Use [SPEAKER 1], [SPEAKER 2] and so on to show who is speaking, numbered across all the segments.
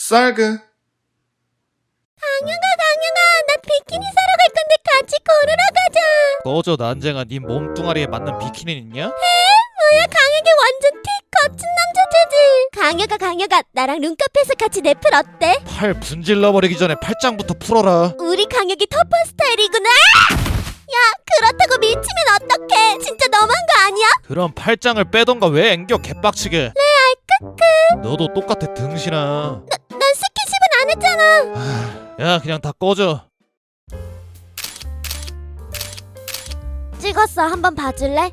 [SPEAKER 1] 쌀그.
[SPEAKER 2] 강영아, 나 비키니 사러 갈 건데 같이 걸으러 가자.
[SPEAKER 3] 꺼져 난쟁아. 네 몸뚱아리에 맞는 비키니 있냐?
[SPEAKER 2] 뭐야, 강혁이 완전 티 거친 남자주지. 강혁아, 나랑 룸카페에서 같이 넷플 어때?
[SPEAKER 3] 팔 분질러버리기 전에 팔짱부터 풀어라.
[SPEAKER 2] 우리 강혁이 터프 스타일이구나. 야, 그렇다고 미치면 어떡해? 진짜 너무한 거 아니야?
[SPEAKER 3] 그럼 팔짱을 빼던가 왜 앵겨 개빡치게.
[SPEAKER 2] 레알 크크.
[SPEAKER 3] 너도 똑같아 등신아.
[SPEAKER 2] 난 스킨십은 안 했잖아.
[SPEAKER 3] 야 그냥 다 꺼져.
[SPEAKER 2] 찍었어. 한번 봐줄래?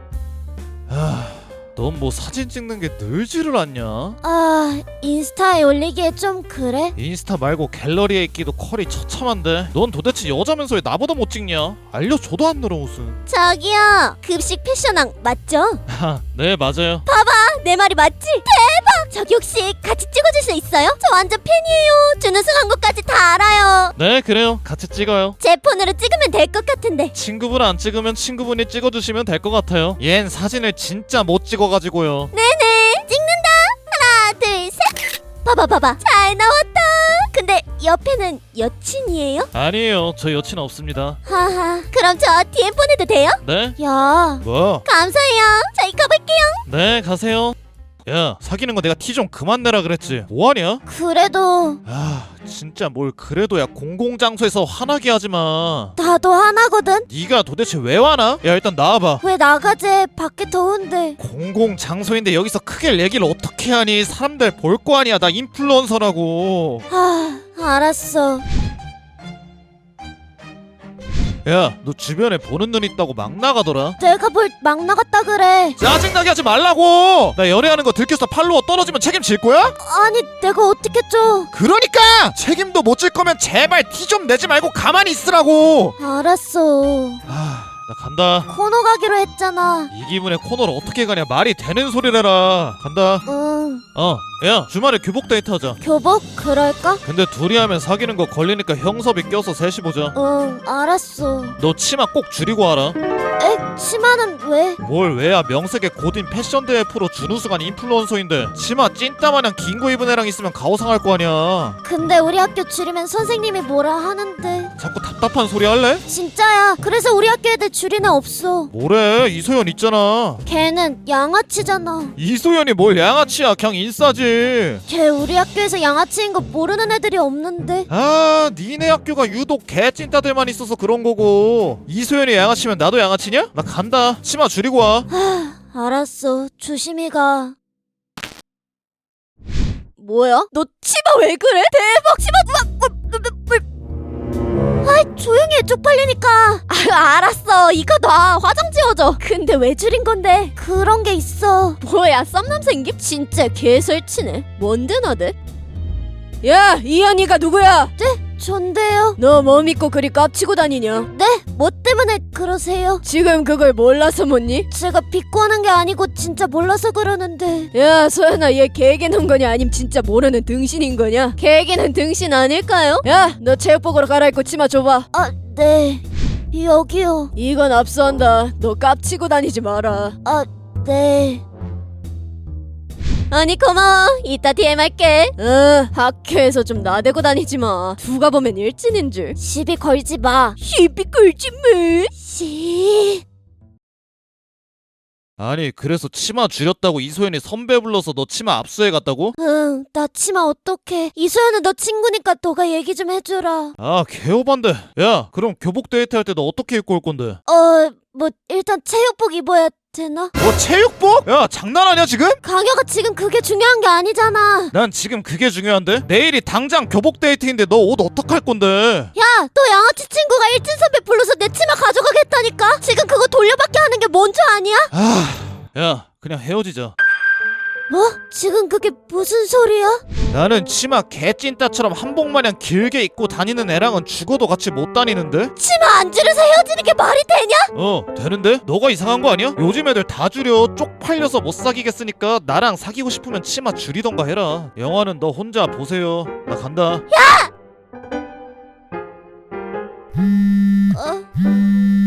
[SPEAKER 3] 넌 뭐 사진 찍는 게 늘지를 않냐?
[SPEAKER 2] 아, 인스타에 올리기에 좀 그래?
[SPEAKER 3] 인스타 말고 갤러리에 있기도 컬이 처참한데 넌 도대체 여자면서 왜 나보다 못 찍냐? 알려줘도 안 늘어 무슨.
[SPEAKER 2] 저기요, 급식 패션왕 맞죠?
[SPEAKER 3] 네 맞아요.
[SPEAKER 2] 내 말이 맞지? 대박! 저기 혹시 같이 찍어줄 수 있어요? 저 완전 팬이에요. 준우승 한 것까지 다 알아요.
[SPEAKER 3] 네 그래요. 같이 찍어요.
[SPEAKER 2] 제 폰으로 찍으면 될 것 같은데.
[SPEAKER 3] 친구분 안 찍으면 친구분이 찍어주시면 될 것 같아요. 얜 사진을 진짜 못 찍어가지고요.
[SPEAKER 2] 네네, 찍는다. 하나 둘 셋. 봐봐 잘 나왔다. 근데 옆에는 여친이에요?
[SPEAKER 3] 아니에요. 저 여친 없습니다.
[SPEAKER 2] 하하, 그럼 저 DM 보내도 돼요?
[SPEAKER 3] 네?
[SPEAKER 2] 야,
[SPEAKER 3] 뭐?
[SPEAKER 2] 감사해요. 저희 가볼게요.
[SPEAKER 3] 네 가세요. 야 사귀는 거 내가 티 좀 그만 내라 그랬지. 뭐하냐?
[SPEAKER 2] 그래도
[SPEAKER 3] 아 진짜 뭘 그래도야. 공공장소에서 화나게 하지마.
[SPEAKER 2] 나도 하나거든.
[SPEAKER 3] 네가 도대체 왜 화나? 야 일단 나와봐.
[SPEAKER 2] 왜 나가재? 밖에 더운데.
[SPEAKER 3] 공공장소인데 여기서 크게 얘기를 어떻게 하니? 사람들 볼 거 아니야. 나 인플루언서라고.
[SPEAKER 2] 알았어.
[SPEAKER 3] 야 너 주변에 보는 눈 있다고 막 나가더라.
[SPEAKER 2] 내가 뭘 막 나갔다 그래.
[SPEAKER 3] 짜증나게 하지 말라고. 나 연애하는 거 들켜서 팔로워 떨어지면 책임질 거야?
[SPEAKER 2] 아니, 내가 어떻게 줘?
[SPEAKER 3] 그러니까 책임도 못 질 거면 제발 티 좀 내지 말고 가만히 있으라고.
[SPEAKER 2] 알았어.
[SPEAKER 3] 나 간다.
[SPEAKER 2] 코너 가기로 했잖아.
[SPEAKER 3] 이 기분에 코너를 어떻게 가냐. 말이 되는 소리를 해라. 간다.
[SPEAKER 2] 응.
[SPEAKER 3] 야 주말에 교복 데이트 하자.
[SPEAKER 2] 교복? 그럴까?
[SPEAKER 3] 근데 둘이 하면 사귀는 거 걸리니까 형섭이 껴서 셋이 보자.
[SPEAKER 2] 응, 알았어.
[SPEAKER 3] 너 치마 꼭 줄이고 와라.
[SPEAKER 2] 에? 치마는 왜?
[SPEAKER 3] 뭘 왜야. 명색의 고딘 패션대회 프로 준우승한 인플루언서인데 치마 찐따마냥 긴 거 입은 애랑 있으면 가오상할 거 아니야.
[SPEAKER 2] 근데 우리 학교 줄이면 선생님이 뭐라 하는데.
[SPEAKER 3] 자꾸 답답한 소리 할래?
[SPEAKER 2] 진짜야. 그래서 우리 학교 애들 줄이나 없어.
[SPEAKER 3] 뭐래. 이소연 있잖아.
[SPEAKER 2] 걔는 양아치잖아.
[SPEAKER 3] 이소연이 뭘 양아치야. 그냥 인싸지.
[SPEAKER 2] 걔 우리 학교에서 양아치인 거 모르는 애들이 없는데.
[SPEAKER 3] 아 니네 학교가 유독 개찐따들만 있어서 그런 거고. 이소연이 양아치면 나도 양아치냐? 나 간다. 치마 줄이고 와.
[SPEAKER 2] 알았어. 조심히 가. 뭐야? 너 치마 왜 그래? 대박 치마. 아이, 조용히 해. 쪽팔리니까. 알았어. 이거 놔. 화장 지워줘. 근데 왜 줄인 건데? 그런 게 있어. 뭐야, 썸남 생김? 진짜 개설치네. 뭔데 너들?
[SPEAKER 4] 야, 이 언니가 누구야?
[SPEAKER 2] 전데요.
[SPEAKER 4] 너 뭐 믿고 그리 깝치고 다니냐?
[SPEAKER 2] 네? 뭐 때문에 그러세요?
[SPEAKER 4] 지금 그걸 몰라서 묻니?
[SPEAKER 2] 제가 비꼬는 게 아니고 진짜 몰라서 그러는데.
[SPEAKER 4] 야, 소연아, 얘 개개는 거냐 아님 진짜 모르는 등신인 거냐? 개개는 등신 아닐까요? 야, 너 체육복으로 갈아입고 치마 줘봐.
[SPEAKER 2] 아, 네. 여기요.
[SPEAKER 4] 이건 압수한다. 너 깝치고 다니지 마라.
[SPEAKER 2] 아, 네.
[SPEAKER 4] 아니 고마워. 이따 DM 할게. 학교에서 좀 나대고 다니지 마. 누가 보면 일진인 줄.
[SPEAKER 2] 시비 걸지 마.
[SPEAKER 4] 시비 끌지 마.
[SPEAKER 2] 씨.
[SPEAKER 3] 아니 그래서 치마 줄였다고 이소연이 선배 불러서 너 치마 압수해 갔다고?
[SPEAKER 2] 응, 나 치마 어떡해. 이소연은 너 친구니까 너가 얘기 좀 해주라.
[SPEAKER 3] 아 개오반데. 야 그럼 교복 데이트 할 때 너 어떻게 입고 올 건데?
[SPEAKER 2] 뭐 일단 체육복 입어야 되나?
[SPEAKER 3] 뭐 체육복? 야 장난하냐 지금?
[SPEAKER 2] 강혁아, 지금 그게 중요한 게 아니잖아.
[SPEAKER 3] 난 지금 그게 중요한데? 내일이 당장 교복 데이트인데 너 옷 어떡할 건데?
[SPEAKER 2] 야, 너 양아치 친구가 일진 선배 불러서 내 치마 가져가겠다니까? 지금 그거 돌려받기 하는 게 뭔 줄 아니야?
[SPEAKER 3] 야 그냥 헤어지자.
[SPEAKER 2] 뭐? 지금 그게 무슨 소리야?
[SPEAKER 3] 나는 치마 개찐따처럼 한복마냥 길게 입고 다니는 애랑은 죽어도 같이 못 다니는데?
[SPEAKER 2] 치마 안 줄여서 헤어지는 게 말이 되냐?
[SPEAKER 3] 되는데? 너가 이상한 거 아니야? 요즘 애들 다 줄여. 쪽팔려서 못 사귀겠으니까 나랑 사귀고 싶으면 치마 줄이던가 해라. 영화는 너 혼자 보세요. 나 간다.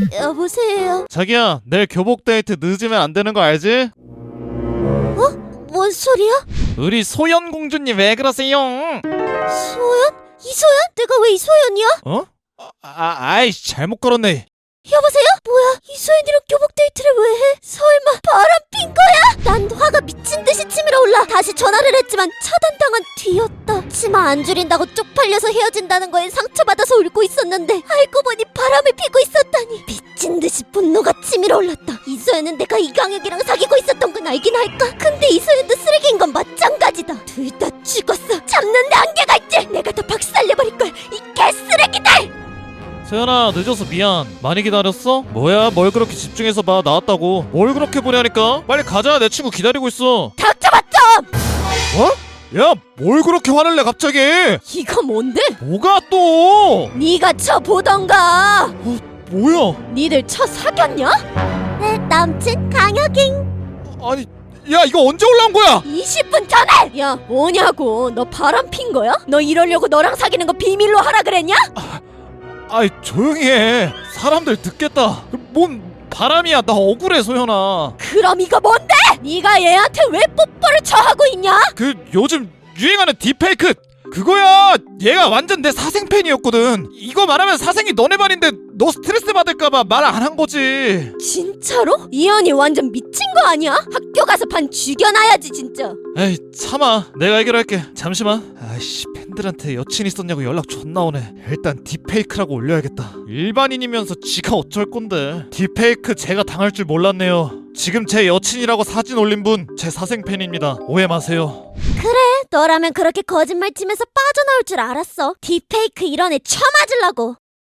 [SPEAKER 2] 여보세요?
[SPEAKER 3] 자기야 내일 교복 데이트 늦으면 안 되는 거 알지?
[SPEAKER 2] 뭔 소리야?
[SPEAKER 3] 우리 소연 공주님 왜 그러세요?
[SPEAKER 2] 소연? 이소연? 내가 왜 이소연이야?
[SPEAKER 3] 어? 아이 잘못 걸었네.
[SPEAKER 2] 여보세요? 뭐야? 이소연이랑 교복 데이트를 왜 해? 설마 바람 핀 거야? 난 화가 미친 듯이 치밀어 올라 다시 전화를 했지만 차단당한 뒤였다. 치마 안 줄인다고 쪽팔려서 헤어진다는 거에 상처받아서 울고 있었는데 알고 보니 바람을 피고 있었다니. 미친 듯이 분노가 치밀어 올랐다. 이소연은 내가 이강혁이랑 사귀고 있었던 건 알긴 할까? 근데 이소연도 쓰레기인 건 마찬가지다. 둘 다 죽었어. 잡는데 한계가 있지. 내가 다 박살내버릴 거야. 이 개쓰레기들.
[SPEAKER 3] 소연아 늦어서 미안. 많이 기다렸어? 뭐야 뭘 그렇게 집중해서 봐. 나왔다고. 뭘 그렇게 보냐니까. 빨리 가자. 내 친구 기다리고 있어.
[SPEAKER 2] 닥쳐봐 좀!
[SPEAKER 3] 어? 야 뭘 그렇게 화를 내 갑자기.
[SPEAKER 4] 이거 뭔데?
[SPEAKER 3] 뭐가 또?
[SPEAKER 4] 네가 쳐 보던가.
[SPEAKER 3] 뭐야?
[SPEAKER 4] 니들 쳐 사귀었냐?
[SPEAKER 2] 내 남친 강혁잉.
[SPEAKER 3] 아니 야 이거 언제 올라온 거야?
[SPEAKER 4] 20분 전에! 야 뭐냐고, 너 바람 핀 거야? 너 이러려고 너랑 사귀는 거 비밀로 하라 그랬냐?
[SPEAKER 3] 아이 조용히 해. 사람들 듣겠다. 뭔 바람이야. 나 억울해 소연아.
[SPEAKER 4] 그럼 이거 뭔데? 네가 얘한테 왜 뽀뽀를 쳐하고 있냐?
[SPEAKER 3] 그 요즘 유행하는 딥페이크 그거야. 얘가 완전 내 사생 팬이었거든. 이거 말하면 사생이 너네 반인데 너 스트레스 받을까봐 말 안 한 거지.
[SPEAKER 4] 진짜로? 이현이 완전 미친 거 아니야? 학교 가서 반 죽여놔야지 진짜.
[SPEAKER 3] 에이 참아. 내가 해결할게. 잠시만. 아이씨 팬들한테 여친 있었냐고 연락 존나 오네. 일단 딥페이크라고 올려야겠다. 일반인이면서 지가 어쩔 건데. 딥페이크 제가 당할 줄 몰랐네요. 지금 제 여친이라고 사진 올린 분 제 사생 팬입니다. 오해 마세요.
[SPEAKER 2] 너라면 그렇게 거짓말 치면서 빠져나올 줄 알았어. 딥페이크 이런 애 쳐맞으려고.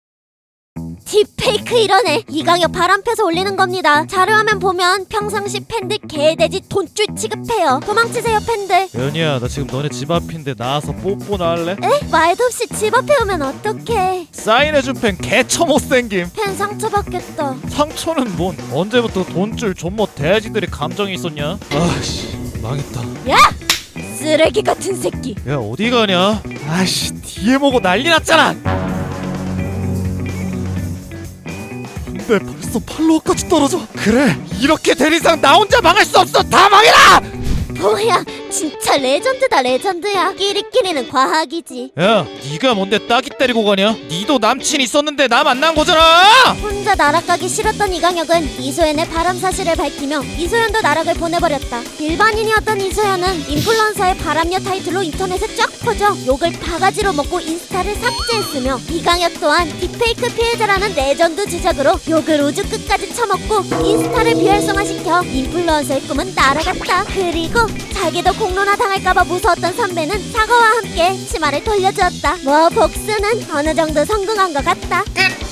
[SPEAKER 2] 딥페이크 이런 애 이강혁 바람 펴서 올리는 겁니다. 자료화면 보면 평상시 팬들 개돼지 돈줄 취급해요. 도망치세요 팬들.
[SPEAKER 3] 연희야 나 지금 너네 집 앞인데 나와서 뽀뽀나 할래?
[SPEAKER 2] 에? 말도 없이 집 앞에 오면 어떡해.
[SPEAKER 3] 사인해준 팬 개처 못생김.
[SPEAKER 2] 팬 상처받겠다.
[SPEAKER 3] 상처는 뭔. 언제부터 돈줄 존못 돼지들이 감정이 있었냐? 아씨 망했다.
[SPEAKER 4] 쓰레기 같은 새끼.
[SPEAKER 3] 야 어디 가냐? 아씨 뒤에 보고 난리 났잖아. 근데 벌써 팔로워까지 떨어져. 그래 이렇게 될 이상 나 혼자 망할 수 없어. 다 망해라.
[SPEAKER 2] 뭐야 진짜 레전드다 레전드야. 끼리끼리는 과학이지.
[SPEAKER 3] 야 네가 뭔데 따기 때리고 가냐? 니도 남친 있었는데 나 만난 거잖아.
[SPEAKER 2] 혼자 나락 가기 싫었던 이강혁은 이소연의 바람 사실을 밝히며 이소연도 나락을 보내버렸다. 일반인이었던 이소연은 인플루언서의 바람녀 타이틀로 인터넷에 쫙 퍼져 욕을 바가지로 먹고 인스타를 삭제했으며 이강혁 또한 딥페이크 피해자라는 레전드 주작으로 욕을 우주 끝까지 처먹고 인스타를 비활성화시켜 인플루언서의 꿈은 날아갔다. 그리고 자기도 공론화 당할까봐 무서웠던 선배는 사과와 함께 치마를 돌려주었다. 뭐 복수는 어느 정도 성공한 것 같다.